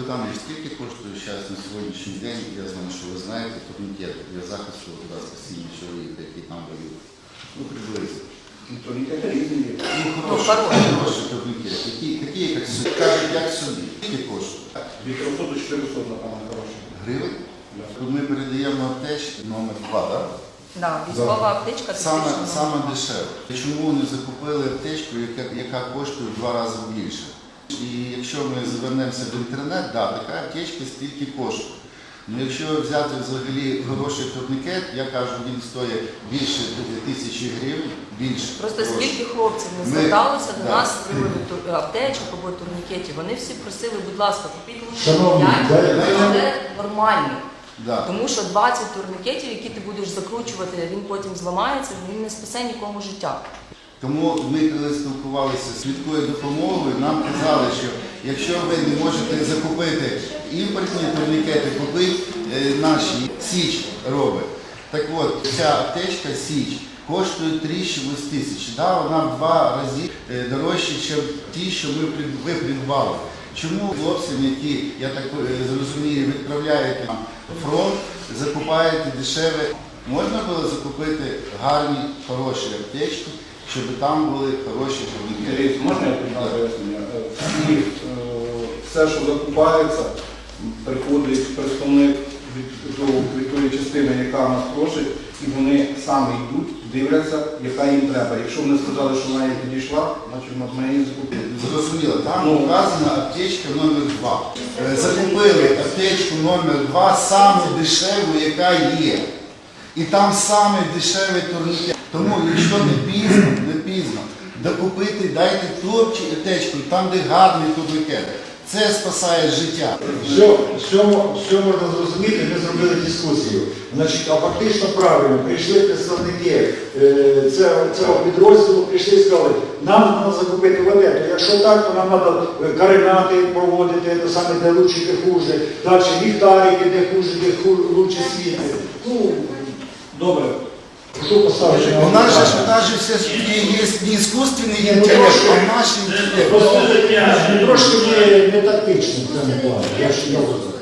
Олександрович, скільки коштує зараз на сьогоднішній день, я знаю, що ви знаєте, турнікети для захисту спасіння чоловіка, який там воює? Ну, приблизно. Турнікети різні є. Хороші турнікети. Такі, як собі. Кажуть, як собі. Скільки коштує? Від 300 до 400, напевно, хороші. Гривень? Ми передаємо аптечки номер 2, так? Да, військова аптечка Саме дешево. Чому не закупили аптечку, яка коштує в 2 рази більше? І якщо ми звернемося в інтернет, да, така аптечка стільки коштує. Ну, якщо взяти взагалі хороший турнікет, я кажу, він стоїть більше 1000 гривень, більше. Просто скільки хлопців не зверталося до нас з приводу аптечок або турнікетів, вони всі просили, будь ласка, купіть мені 5, але нормальні. Да. Тому що 20 турнікетів, які ти будеш закручувати, він потім зламається, він не спасе нікому життя. Тому ми, коли спілкувалися з швидкою допомогою, нам казали, що якщо ви не можете закупити імпортні турнікети, купіть наші, Січ робить. Так от, ця аптечка Січ коштує 3-8 тисяч. Да, вона в 2 рази дорожча, ніж ті, що ви придбали. Чому хлопцям, які, я так зрозумію, відправляєте на фронт, закупаєте дешеве? Можна було закупити гарні, хороші аптечки, щоб там були хороші турнікети. Можна я пояснення? Все, що закупається, приходить представник від тої частини, яка нас просить, і вони самі йдуть, дивляться, яка їм треба. Якщо вони сказали, що вона їй підійшла, значить ми її закупили. Зрозуміло, там вказана аптечка номер 2. Закупили аптечку номер 2, саму дешеву, яка є. І там саме дешевий турнікет. Тому, якщо не пізно, докупити, дайте ту аптечку, там, де гарний турнікет. Це спасає життя. Що можна зрозуміти, ми зробили дискусію. Значить, а фактично правильно, прийшли представники цього підрозділу, прийшли і сказали, нам треба закупити воду. Якщо так, то нам треба каринати проводити, то саме де лучше, де хуже. Далі ліхтарики, де хуже, де лучше світи. Ну, добре. Що поставити? У нас же все-таки є не іскусственний інтелект, а наш інтелект. Трошки не тактично в цьому плані.